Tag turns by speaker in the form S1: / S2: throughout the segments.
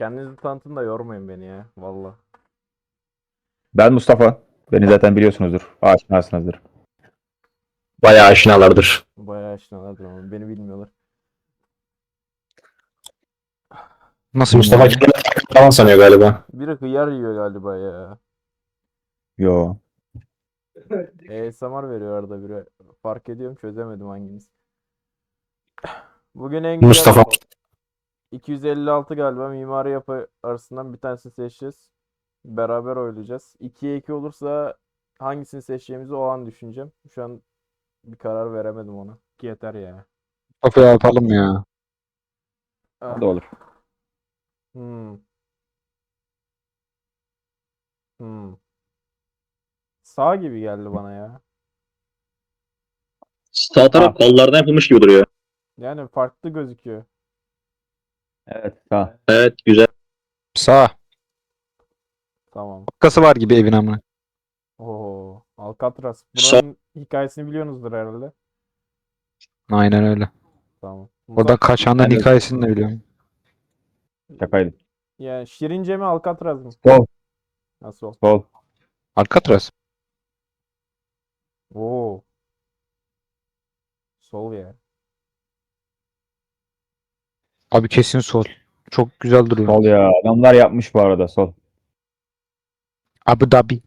S1: Kendinizi tanıtın da yormayın beni ya. Valla.
S2: Ben Mustafa. Beni zaten biliyorsunuzdur. Aşinasınızdır.
S3: Bayağı aşinalardır.
S1: Bayağı aşinalardır ama beni bilmiyorlar.
S4: Nasıl
S3: Mustafa
S4: bilmiyorum.
S3: kendini falan sanıyor galiba.
S1: Biri hıyar yiyor galiba ya.
S2: Yo.
S1: ASMR veriyor arada biri. Fark ediyorum, çözemedim hanginiz. Bugün en güzel
S3: Mustafa
S1: 256 galiba mimari yapı arasından bir tanesini seçeceğiz. Beraber oylayacağız. 2'ye 2 olursa hangisini seçeceğimizi o an düşüneceğim. Şu an bir karar veremedim ona. Ki yeter ya.
S4: Kafa yapalım ya.
S1: Ah.
S2: O da olur.
S1: Hmm. Hmm. Sağ gibi geldi bana ya.
S3: sağ taraf kollardan yapılmış gibi duruyor.
S1: Yani farklı gözüküyor.
S2: Evet. Sağ.
S3: Evet, güzel.
S4: Sağ.
S1: Tamam.
S4: Kası var gibi evin amına.
S1: Oo, Alcatraz.
S3: Sol.
S1: Buranın hikayesini biliyorsunuzdur herhalde.
S4: Aynen öyle.
S1: Tamam.
S4: Oradan kaçanların
S2: Ben de-
S4: hikayesini de biliyorum.
S2: Şakaydı.
S1: Yani Şirince mi Alcatraz mı?
S2: Sol.
S1: Nasıl ol?
S2: Sol.
S4: Alcatraz.
S1: Oo. Sol ya.
S4: Abi kesin sol. Çok güzel duruyor.
S2: Sol ya. Adamlar yapmış bu arada. Sol.
S4: Abu Dhabi.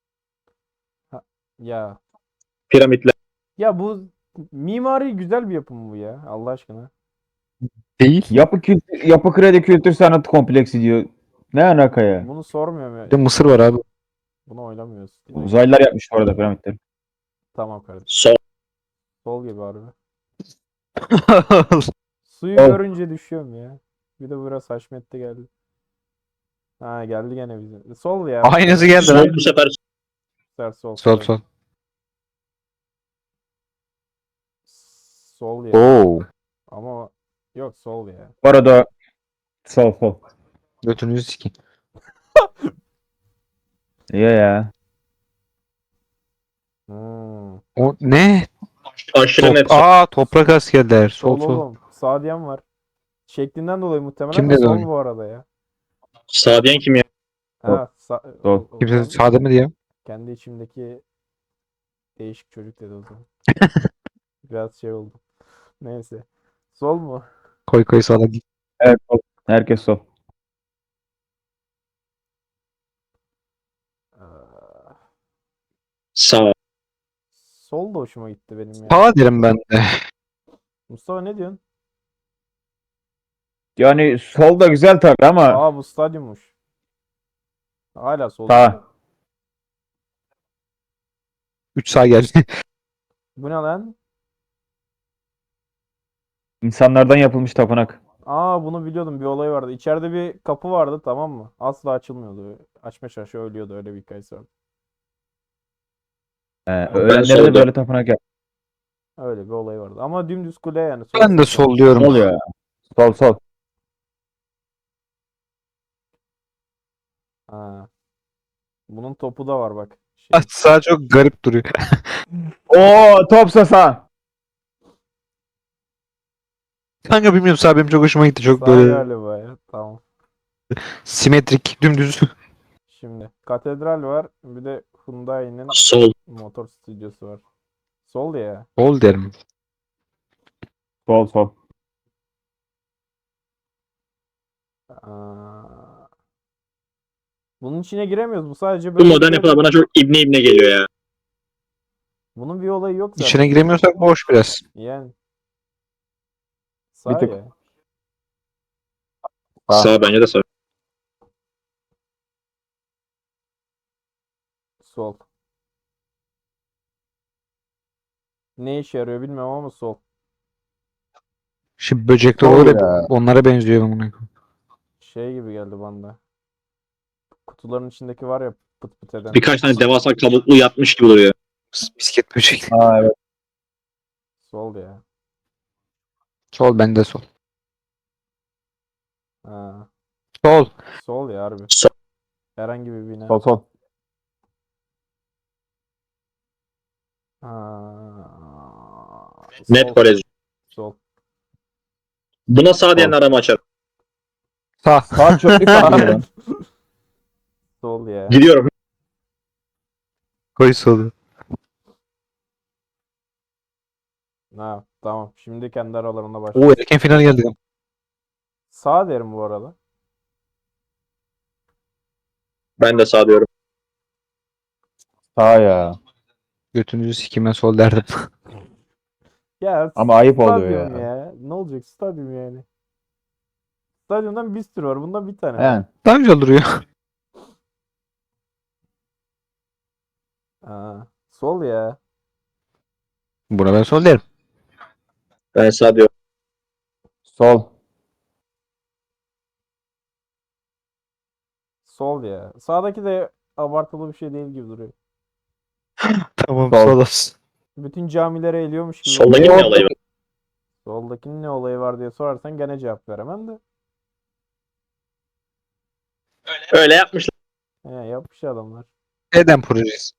S1: Ya.
S3: Piramitler.
S1: Ya bu mimari güzel bir yapım bu ya. Allah aşkına.
S4: Değil.
S2: Yapı kredi kültür sanat kompleksi diyor. Ne alaka ya?
S1: Bunu sormuyorum
S4: Bir de
S1: ya.
S4: Mısır var abi.
S1: Bunu oylamıyoruz.
S2: Uzaylılar yapmış bu arada piramitleri.
S1: Tamam kardeşim.
S3: Sol.
S1: Sol gibi harbi. Suyu
S2: Sol.
S1: görünce düşüyorum ya. Bir de biraz haşmetli geldi. Ha geldi gene bize. Sol ya.
S4: Aynısı geldi
S3: Sol
S4: lan.
S3: bu sefer.
S1: Sol.
S4: Sol sol.
S1: Sol ya.
S4: Oo.
S1: Ama yok sol ya.
S2: Bu arada sol sol.
S4: Götünüzü sikeyim.
S2: İyi ya.
S1: Hmm.
S4: O ne?
S3: Aşırı net sol.
S4: Toprak askerler. Sol
S1: Sol
S4: sol.
S1: oğlum. Sağ diyen var. Şeklinden dolayı muhtemelen
S4: Kim
S1: de
S4: dedi
S1: sol
S4: onu?
S1: bu arada ya.
S3: Sağ diyen kim ya?
S1: Ha,
S2: Sol.
S1: o
S4: Kimse
S1: zaman
S4: sağda mı diye.
S1: kendi içimdeki değişik çocuk dedi o zaman. Biraz şey oldu. Neyse. Sol mu?
S4: Koy koy sağda git.
S2: Evet sol. Herkes sol.
S1: Aa,
S3: Sağ.
S1: sol da hoşuma gitti benim ya.
S4: Sağ derim ben de.
S1: Mustafa ne diyorsun?
S2: Yani sol da güzel tabii ama
S1: Aa bu stadyummuş. Hala sol.
S2: sağ.
S4: 3 sağ geldi.
S1: Bu ne lan?
S2: İnsanlardan yapılmış tapınak.
S1: Aa bunu biliyordum, bir olay vardı. İçeride bir kapı vardı, tamam mı? Asla açılmıyordu. Açma şaşı ölüyordu, öyle bir hikayesi vardı.
S2: Öğrenleri de
S3: solda.
S2: böyle tapınak yap.
S1: Öyle bir olay vardı. Ama dümdüz kule yani. Sol
S4: Ben de
S1: sıfır.
S4: sol diyorum.
S2: Sol ya. Sol sol.
S1: Ha. Bunun topu da var bak.
S4: Sağ çok garip duruyor.
S2: Oo topsa sağ.
S4: Kanka bilmiyorum sağ benim çok hoşuma gitti. Çok
S1: Sağ
S4: böyle
S1: galiba ya. Tamam.
S4: simetrik, dümdüz.
S1: Şimdi katedral var. Bir de Hyundai'nin
S3: Sol.
S1: motor stüdyosu var. Sol ya.
S4: Sol derim.
S2: Sol sol.
S1: Aa. Bunun içine giremiyoruz. Bu sadece
S3: Bu
S1: böyle
S3: modern
S1: bir-
S3: yapılar bana çok ibne ibne geliyor ya.
S1: Bunun bir olayı yok zaten.
S4: İçine giremiyorsak boş biraz.
S1: Yani.
S2: Bir
S1: Sağ
S2: tık.
S1: ya.
S2: Sağ.
S3: Sağ bence de sağ.
S1: Sol. Ne işe yarıyor bilmiyorum ama sol.
S4: Şimdi böcekler
S2: Sol
S4: öyle
S2: ya.
S4: onlara benziyor bunun.
S1: Şey gibi geldi bana. Kutuların içindeki var ya, pıt pıt eden.
S3: Birkaç tane devasa kabuklu yatmış gibi duruyor.
S4: Bisket böcek.
S2: Aa, evet.
S1: Sol ya.
S4: Sol bende sol.
S1: Ha.
S4: Sol.
S1: Sol ya harbi.
S3: Sol.
S1: Herhangi bir bina.
S2: Sol sol.
S1: Ha.
S3: Net
S1: Sol.
S3: kolej.
S1: Sol.
S3: Buna sağ diyen arama açar.
S4: Sağ.
S2: Sağ çöplük var lan.
S1: Sol ya.
S3: Gidiyorum.
S4: Koy solu.
S1: Ha, tamam. Şimdi kendi aralarında
S4: Oo
S1: başlıyor.
S4: erken final geldi.
S1: Sağ derim bu arada.
S3: Ben de sağ diyorum.
S2: Sağ ya.
S4: Götünüzü sikime sol derdim.
S1: Ya
S2: Ama ayıp oluyor
S1: stadyum
S2: ya.
S1: ya. Ne olacak stadyum yani? Stadyumdan bir sürü var. Bundan bir tane var.
S2: Yani.
S4: Daha güzel duruyor.
S1: Ha, sol ya.
S4: Buna ben sol derim.
S3: Ben sağ diyorum.
S2: Sol.
S1: Sol ya. Sağdaki de abartılı bir şey değil gibi duruyor.
S4: Tamam
S2: Sol.
S4: sol olsun.
S1: Bütün camilere eliyormuş gibi.
S3: Soldaki ne olayı var?
S1: Soldakinin ne olayı var diye sorarsan gene cevap veremem de.
S3: Öyle yapmışlar.
S1: He, yapmış adamlar.
S4: Eden projesi.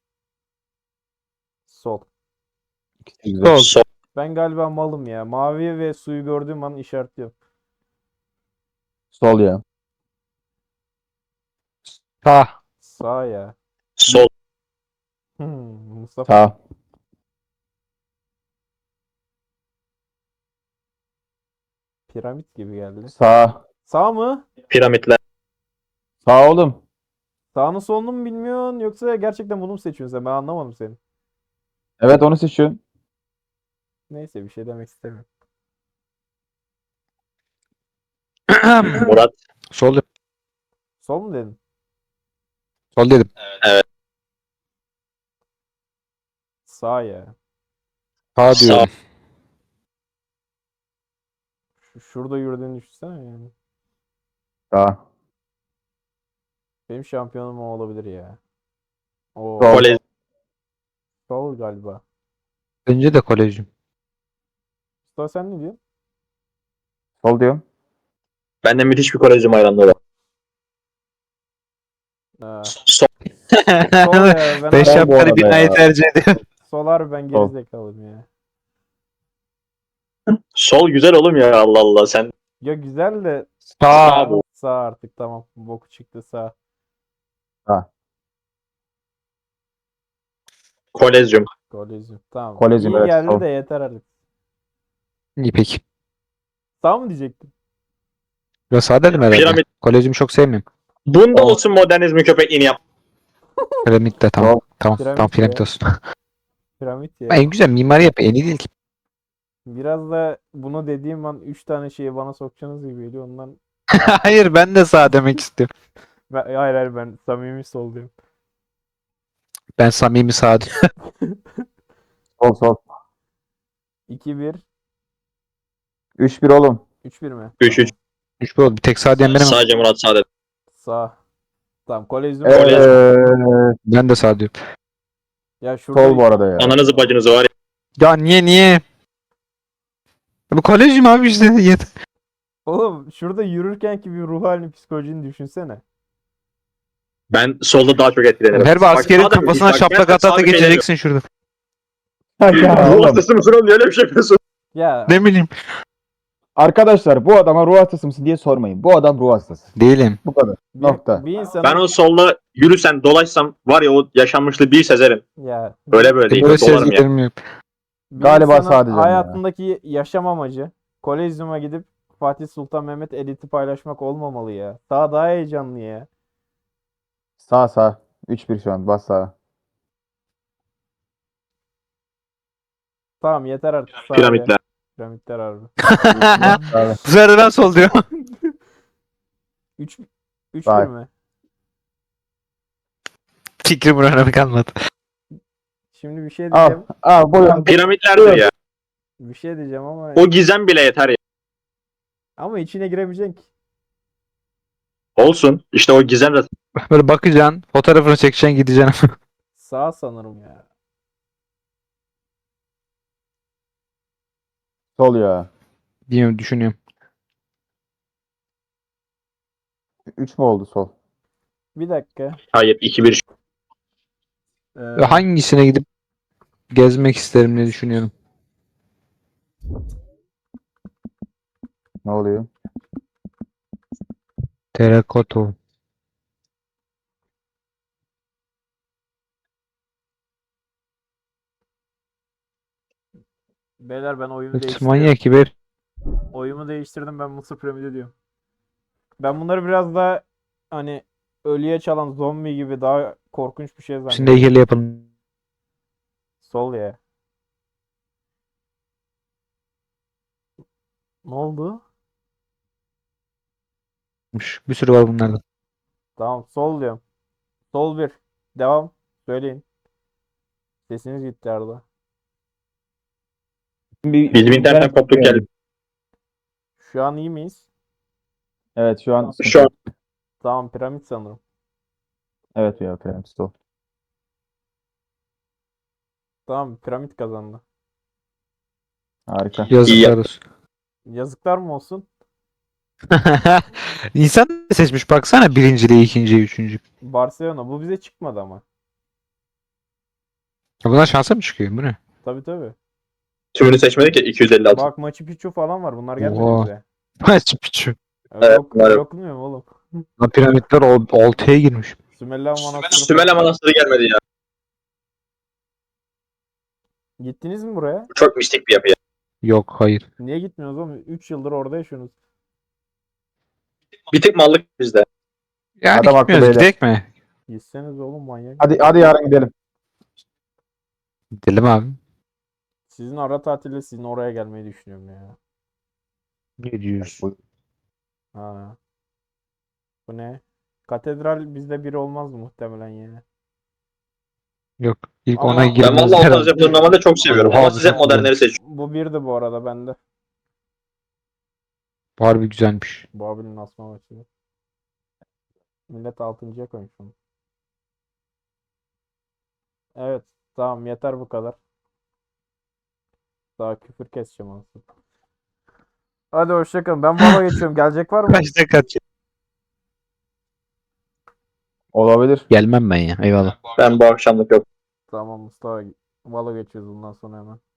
S1: Sol.
S2: Güzel.
S4: Sol.
S3: Sol.
S1: Ben galiba malım ya. Mavi ve suyu gördüğüm an işaretliyorum.
S2: Sol ya.
S4: Sağ.
S1: Sağ ya.
S3: Sol.
S1: Mustafa.
S2: Sağ.
S1: Piramit gibi geldi.
S2: Sağ.
S1: Sağ mı?
S3: Piramitler.
S2: Sağ oğlum.
S1: Sağını solunu mu bilmiyorsun yoksa gerçekten bunu mu seçiyorsun sen? Ben anlamadım seni.
S2: Evet onu seçiyorum.
S1: Neyse bir şey demek istemiyorum.
S3: Murat.
S4: Sol dedim.
S1: Sol mu dedin?
S4: Sol dedim.
S1: Sağ ya.
S4: Sağ
S3: Sağ.
S4: diyorum.
S1: Şurada yürüdüğünü düşünsene yani.
S2: Sağ.
S1: Benim şampiyonum o olabilir ya. O
S2: Sol.
S3: Kolej.
S1: sol galiba.
S4: Önce de kolejim.
S1: Mustafa sen ne diyorsun?
S2: Sol diyorum.
S3: Ben de müthiş bir Kolejim hayranlığı var.
S1: Ha,
S3: Sol.
S1: sol ya.
S4: Ben
S1: Ben
S2: Sol bu
S4: şapkanı
S2: arada
S4: binayı
S2: ya.
S4: tercih ediyorum.
S1: solar ben
S2: Sol.
S1: gerizekalıyım ya.
S3: Sol güzel oğlum ya, Allah Allah sen.
S1: Ya güzel de
S4: Sağ.
S3: Sağ bu.
S1: sağ artık tamam. Boku çıktı sağ.
S3: Kolezyum.
S1: Kolezyum. Tamam.
S2: Kolezyum,
S1: İyi
S2: evet,
S1: geldi
S2: sol.
S1: de yeter artık.
S4: İyi peki.
S1: Sağ mı diyecektim?
S4: Ben sağ dedim herhalde.
S3: Piramit.
S4: Kolejimi çok sevmiyorum.
S3: Bunda
S2: Sol.
S3: olsun modernizmi köpekliğini yap.
S4: Piramit de tamam.
S2: Sol.
S4: Tamam.
S1: Piramit
S4: Tamam piramit
S1: ya.
S4: olsun.
S1: Piramit ya.
S4: En güzel mimari yap. En iyi değil ki.
S1: Biraz da bunu dediğim an 3 tane şeyi bana sokacaksınız gibi geliyor. Ondan
S4: Hayır ben de sağ demek istiyorum.
S1: hayır ben samimi sol diyorum.
S4: Ben samimi sağ diyorum.
S2: Sol sol.
S1: 2-1
S2: 3-1 oğlum.
S1: 3-1 mi?
S3: 3-3.
S1: Tamam.
S4: 3 oldu. Bir tek sağ diyen benim.
S3: Sadece Murat sağ dedi.
S1: Sağ. Tamam kolezyum.
S4: Ben de sağ diyorum.
S1: Ya şurada
S2: Sol bu arada ya.
S3: Ananızı bacınızı var ya.
S4: Ya niye? Bu kolejim abi işte. Yeter.
S1: oğlum şurada yürürken ki bir ruh halini psikolojini düşünsene.
S3: Ben solda daha çok etkilenirim.
S4: Her bir
S3: Bak,
S4: askerin
S3: sağda
S4: kafasına
S3: müthiş. Bak,
S4: şaplak
S3: ben
S4: ata ata
S3: sağ bir şey
S4: geçeceksin şurada.
S2: Ya
S3: demiyorum. Ruh
S2: oğlum.
S3: hastası mısın oğlum? Niye öyle bir şey yapıyorsun?
S1: Ya
S4: Ne bileyim.
S2: Arkadaşlar bu adama ruh hastası mısın diye sormayın. Bu adam ruh hastası.
S4: Değilim.
S2: Bu kadar.
S1: bir,
S2: Nokta.
S1: bir insanın
S3: Ben o solda yürüsem dolaşsam var ya, o yaşanmışlığı bir sezerim.
S1: ya
S3: Öyle böyle değil.
S4: Böyle
S3: Dolarım ya.
S4: sezgilerim yok.
S1: bir
S2: Galiba
S1: insanın
S2: sağ diyeceğim ya.
S1: hayatındaki yaşam amacı kolezyuma gidip Fatih Sultan Mehmet editi paylaşmak olmamalı ya. Daha heyecanlı ya.
S2: Sağ sağ. 3-1 şu an. Bas sağa.
S1: Tamam yeter artık sağ ya.
S3: Piramitler.
S1: Piramitler harbi.
S2: Sağ.
S4: Bu sefer ben sol diyorum.
S1: 3-1
S2: Sağ.
S1: mi?
S4: Fikrim önemi kalmadı.
S1: Şimdi bir şey
S2: Al.
S1: diyeceğim.
S2: Al buyurun.
S3: Piramitlerdir ya.
S1: Bir şey diyeceğim ama
S3: O gizem bile yeter ya.
S1: ama içine giremeyeceksin ki.
S3: Olsun. İşte o gizem de
S4: Böyle bakacaksın. Fotoğrafını çekeceksin gideceksin.
S1: Sağ sanırım ya.
S2: Sol ya.
S4: Bilmiyorum düşünüyorum.
S2: 3 mü oldu sol?
S1: Bir dakika.
S3: hayır 2-1.
S4: Hangisine gidip gezmek isterim diye düşünüyorum.
S2: Ne oluyor?
S4: Terakoto.
S1: Beyler ben oyumu
S4: It's
S1: değiştiriyorum.
S4: manyak gibi.
S1: Oyumu değiştirdim, ben Mısır piramidi diyorum. Ben bunları biraz daha hani ölüye çalan zombi gibi daha korkunç bir şey
S4: Şimdi
S1: zannediyorum.
S4: heykeli yapalım.
S1: Sol ya. Ne oldu?
S4: Bir sürü var bunlarda.
S1: Tamam, sol diyorum. Sol bir. Devam. Söyleyin. Sesiniz gitti Arda.
S3: Bizim internetten koptuk geldi.
S1: Şu an iyi miyiz?
S2: Evet şu an
S3: Şu an
S1: Tamam, piramit sanırım.
S2: evet ya piramit o.
S1: Tamam, piramit kazandı.
S2: Harika.
S4: Yazıklar olsun.
S1: Yazıklar mı olsun?
S4: İnsan da seçmiş baksana birinciliği, ikinciyi, üçüncü.
S1: Barcelona. Bu bize çıkmadı ama.
S4: Ya bunlar şansa mı çıkıyor? Bu ne?
S1: Tabii tabii.
S3: tümünü seçmedik ya 256.
S1: Bak, Machu Picchu falan var. Bunlar gelmedi
S4: Oha.
S1: bize.
S4: Machu Picchu.
S3: Evet, var.
S1: Okunmuyor mu oğlum?
S4: Lan piramitler 6'ya girmiş.
S1: Sümela Manastırı.
S3: Sümele Manastırı gelmedi ya.
S1: Gittiniz mi buraya?
S3: Bu çok mistik bir yapı ya.
S4: Yok, hayır.
S1: Niye gitmiyorsunuz oğlum? 3 yıldır orada yaşıyorsunuz.
S3: Bir tık mallık bizde.
S4: Yani
S2: Adam haklı
S4: gitmiyoruz,
S2: beyler.
S4: gidelim mi?
S1: Gitseniz oğlum, manyak.
S2: Hadi yarın gidelim.
S4: Gidelim abi.
S1: Sizin ara tatilde sizin oraya gelmeyi düşünüyorum ya.
S4: 700.
S1: Ha. Bu ne? Katedral bizde biri olmaz muhtemelen ya.
S4: Yok. İlk
S1: Ama
S4: ona
S1: ben
S3: Ben
S4: girmemiz
S3: vallahi o
S4: herhalde.
S3: tarz yapıları normalde çok seviyorum. Ama
S4: Oha,
S3: siz hep
S4: çok
S3: modernleri seçiyorsunuz.
S1: Bu birdi bu arada bende.
S4: Harbi güzelmiş.
S1: Babil'in asma maçı. Millet 6.'ya koymuş onu. Evet. Tamam, yeter bu kadar. Daha küfür keseceğim aslında. Hadi hoşçakalın. Ben Valo geçiyorum. Gelecek var mı?
S4: Kaçta kaç?
S2: Olabilir.
S4: Gelmem ben ya. Eyvallah.
S3: Ben bu akşamlık yok.
S1: Tamam Mustafa. Valo geçiyoruz bundan sonra hemen.